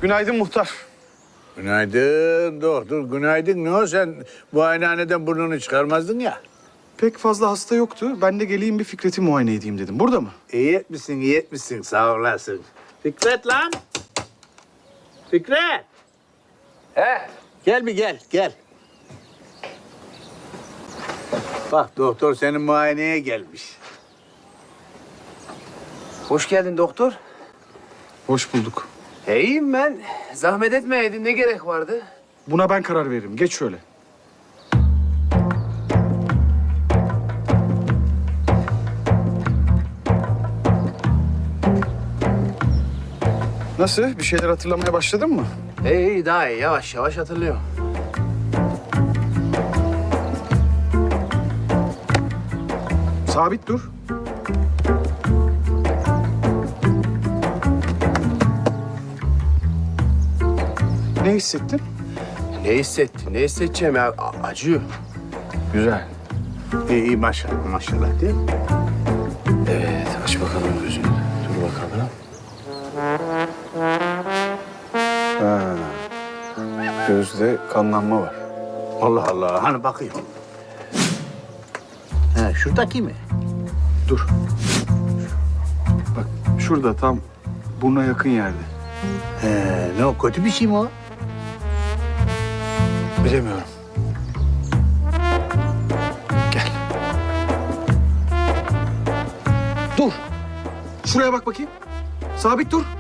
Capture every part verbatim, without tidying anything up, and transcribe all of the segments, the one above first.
Günaydın muhtar. Günaydın doktor, günaydın. Ne o sen muayenehaneden burnunu çıkarmazdın ya. Pek fazla hasta yoktu. Ben de geleyim bir Fikret'i muayene edeyim dedim. Burada mı? İyi etmişsin, iyi etmişsin. Sağ olasın. Fikret lan! Fikret! He? Gel bir gel, gel. Bak doktor senin muayeneye gelmiş. Hoş geldin doktor. Hoş bulduk. E, iyiyim ben. Zahmet etmeyeydin. Ne gerek vardı? Buna ben karar veririm. Geç şöyle. Nasıl? Bir şeyler hatırlamaya başladın mı? İyi iyi daha iyi. Yavaş yavaş hatırlıyorum. Sabit dur. Ne hissettin? Ne hissettin? Ne hissedeceğim ya? A- acıyor. Güzel. İyi, iyi maşallah, maşallah değil mi? Evet. Aç bakalım gözünü. Dur bakalım. Ha. Gözde kanlanma var. Allah Allah, hani bakayım. Ha, şuradaki mi? Dur. Bak şurada tam buruna yakın yerde. He, ne o, kötü bir şey mi o? Bilemiyorum. Gel. Dur. Şuraya bak bakayım. Sabit dur.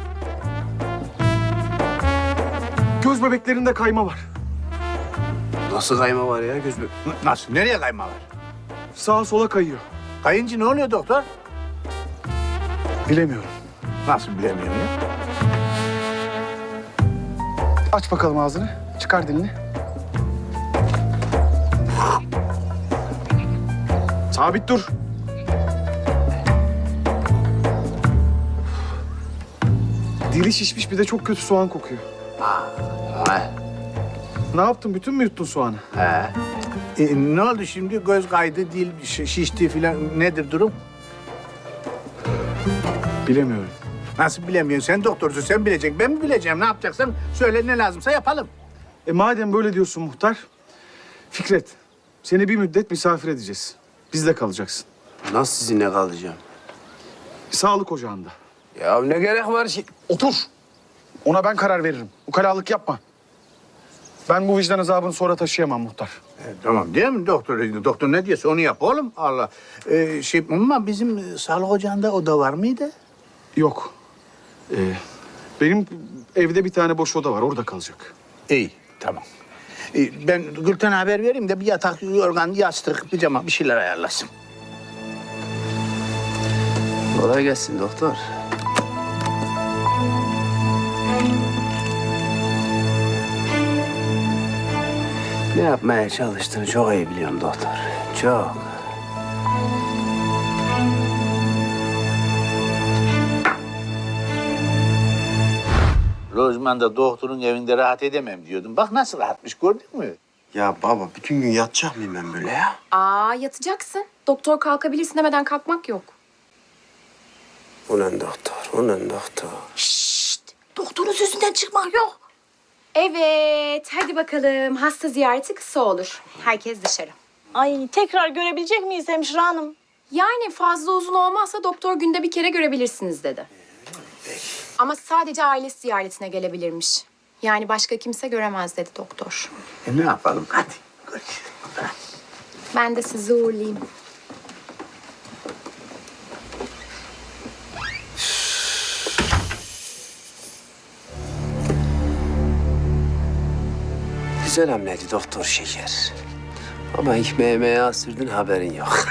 Göz bebeklerinde kayma var. Nasıl kayma var ya göz be- Nasıl, nereye kayma var? Sağa sola kayıyor. Kayınca ne oluyor doktor? Bilemiyorum. Nasıl bilemiyorum ya? Aç bakalım ağzını. Çıkar dilini. Sabit dur. Dili şişmiş bir de çok kötü soğan kokuyor. He. Ne yaptın? Bütün mü yuttun soğanı? He. E, ne oldu şimdi? Göz kaydı, dil şi- şişti filan. Nedir durum? Bilemiyorum. Nasıl bilemiyorsun? Sen doktorsun, sen bileceksin. Ben mi bileceğim? Ne yapacaksan söyle, ne lazımsa yapalım. E madem böyle diyorsun muhtar, Fikret, seni bir müddet misafir edeceğiz. Bizde kalacaksın. Nasıl sizinle kalacağım? Sağlık ocağında. Ya ne gerek var ki? Otur. Ona ben karar veririm. Ukalalık yapma. Ben bu vicdan azabını sonra taşıyamam muhtar. E, tamam değil mi doktor? Doktor ne diyorsa onu yap oğlum. Allah. E, şey ama bizim e, sağlık ocağında oda var mıydı? Yok. Ee, benim evde bir tane boş oda var. Orada kalacak. İyi, tamam. E, ben Gülten'e haber vereyim de bir yatak, yorgan, yastık, pijama bir şeyler ayarlasın. Kolay gelsin doktor. Ne yapmaya çalıştığını çok iyi biliyorum doktor. Çok. Lojman da doktorun evinde rahat edemem diyordum. Bak nasıl rahatmış, gördün mü? Ya baba bütün gün yatacak mıyım ben böyle ya? Aa yatacaksın. Doktor kalkabilirsin demeden kalkmak yok. Ulan doktor, ulan doktor. Doktorun sözünden çıkmak yok. Evet, hadi bakalım. Hasta ziyareti kısa olur. Herkes dışarı. Ay tekrar görebilecek miyiz hemşire hanım? Yani fazla uzun olmazsa doktor günde bir kere görebilirsiniz dedi. Ama sadece ailesi ziyaretine gelebilirmiş. Yani başka kimse göremez dedi doktor. E ne yapalım? Hadi görüşürüz. Ben de sizi uğurlayayım. Güzel hamleydi doktor şeker. Ama ekmeğime sürdün haberin yok.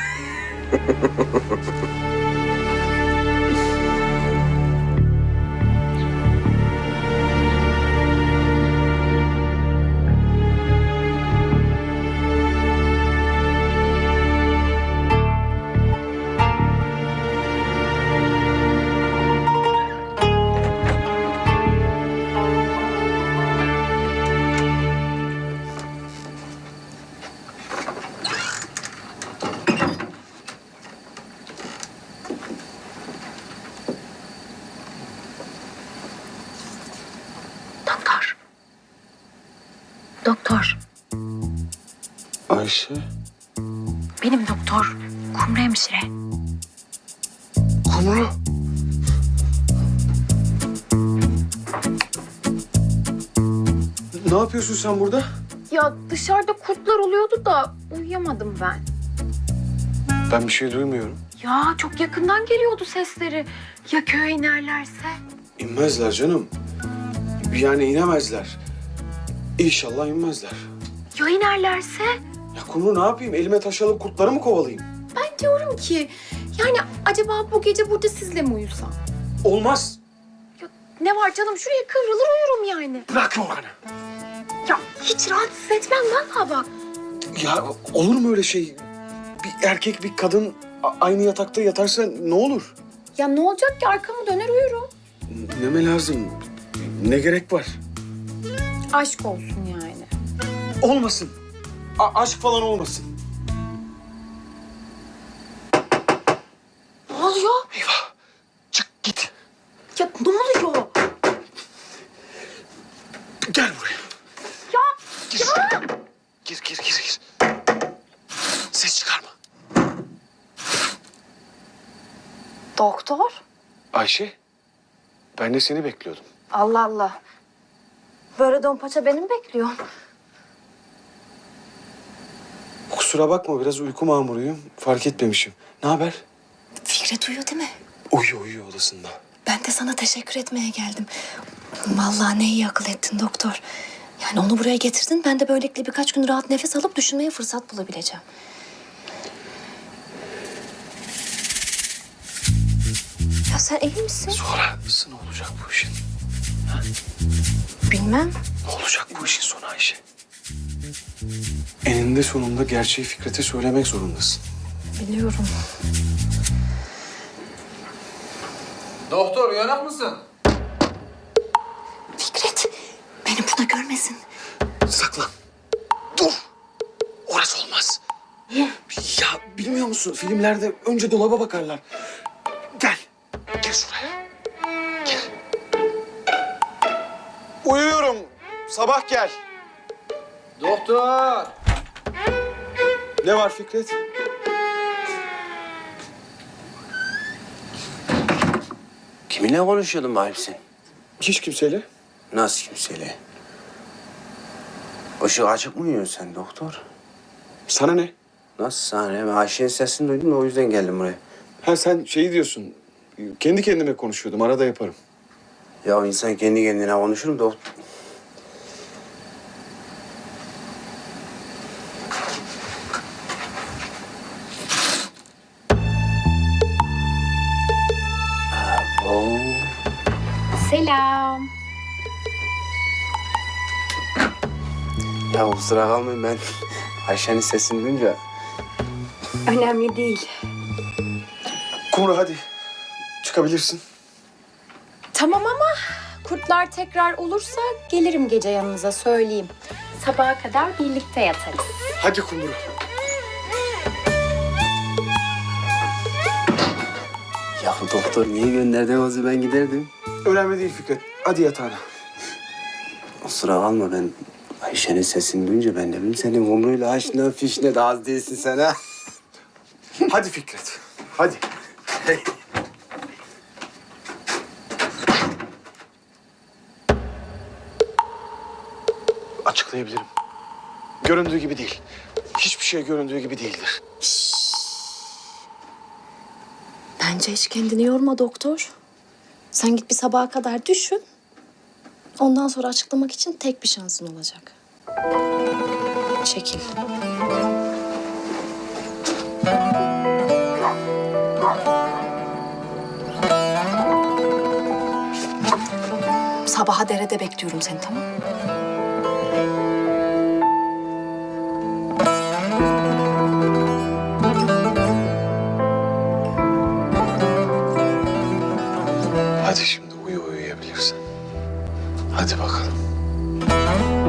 Doktor. Ayşe. Benim doktor. Kumru hemşire. Kumru. Ne yapıyorsun sen burada? Ya dışarıda kurtlar oluyordu da uyuyamadım ben. Ben bir şey duymuyorum. Ya çok yakından geliyordu sesleri. Ya köye inerlerse? İnmezler canım. Yani inemezler. İnşallah inmezler. Ya inerlerse? Ya Kumru ne yapayım? Elime taş alıp kurtları mı kovalayayım? Ben diyorum ki yani acaba bu gece burada sizle mi uyusam? Olmaz. Ya ne var canım şuraya kıvrılır uyurum yani. Bırak yorganı. Ya hiç rahatsız etmem vallahi bak. Ya olur mu öyle şey? Bir erkek bir kadın a- aynı yatakta yatarsa ne olur? Ya ne olacak ki arkamı döner uyurum. Neme lazım? Ne gerek var? Aşk olsun yani. Olmasın. A- aşk falan olmasın. Ne oluyor? Eyvah. Çık git. Ya ne oluyor? Gel buraya. Ya Gir. ya. Gir gir gir gir. Ses çıkarma. Doktor? Ayşe. Ben de seni bekliyordum. Allah Allah. Böyle don paça benim bekliyorum. Kusura bakma biraz uyku mamuruyum. Fark etmemişim. Ne haber? Fikret uyuyor değil mi? Uyuyor uyuyor odasında. Ben de sana teşekkür etmeye geldim. Vallahi ne iyi akıl ettin doktor. Yani onu buraya getirdin. Ben de böylelikle birkaç gün rahat nefes alıp düşünmeye fırsat bulabileceğim. Ya sen iyi misin? Sonrası ne olacak bu işin? Bilmem. Ne olacak bu işin sonu Ayşe? Eninde sonunda gerçeği Fikret'e söylemek zorundasın. Biliyorum. Doktor uyanık mısın? Fikret, beni burada görmesin. Saklan. Dur. Orası olmaz. Niye? Ya bilmiyor musun? Filmlerde önce dolaba bakarlar. Gel. Gel şuraya. Gel. Uyuyorum. Sabah gel. Doktor. Ne var Fikret? Kiminle konuşuyordun bakayım sen? Hiç kimseyle. Nasıl kimseyle? Işık açık mı uyuyorsun sen doktor? Sana ne? Nasıl sahne? Ben Ayşe'nin sesini duydum da o yüzden geldim buraya. Ha sen şey diyorsun. Kendi kendime konuşuyordum. Arada yaparım. Ya insan kendi kendine konuşur mu doktor? Abo. Selam. Ya kusura kalmayın ben Ayşe'nin sesini duyunca... Önemli değil. Kumru hadi. Çıkabilirsin. Tamam ama kurtlar tekrar olursa gelirim gece yanınıza söyleyeyim. Sabaha kadar birlikte yatarız. Hadi Kumru. Ya doktor niye gönderdin o zaman ben giderdim. Önemli değil Fikret. Hadi yatağına. Kusura kalma ben Ayşe'nin sesini duyunca ben de bileyim senin umruyla aşna fişne de az değilsin sen ha. Hadi Fikret. Hadi. Açıklayabilirim. Göründüğü gibi değil. Hiçbir şey göründüğü gibi değildir. Bence hiç kendini yorma doktor. Sen git bir sabaha kadar düşün. Ondan sonra açıklamak için tek bir şansın olacak. Çekil. Sabaha derede bekliyorum seni, tamam mı? Hadi şimdi uyu uyuyabilirsin. Hadi bakalım.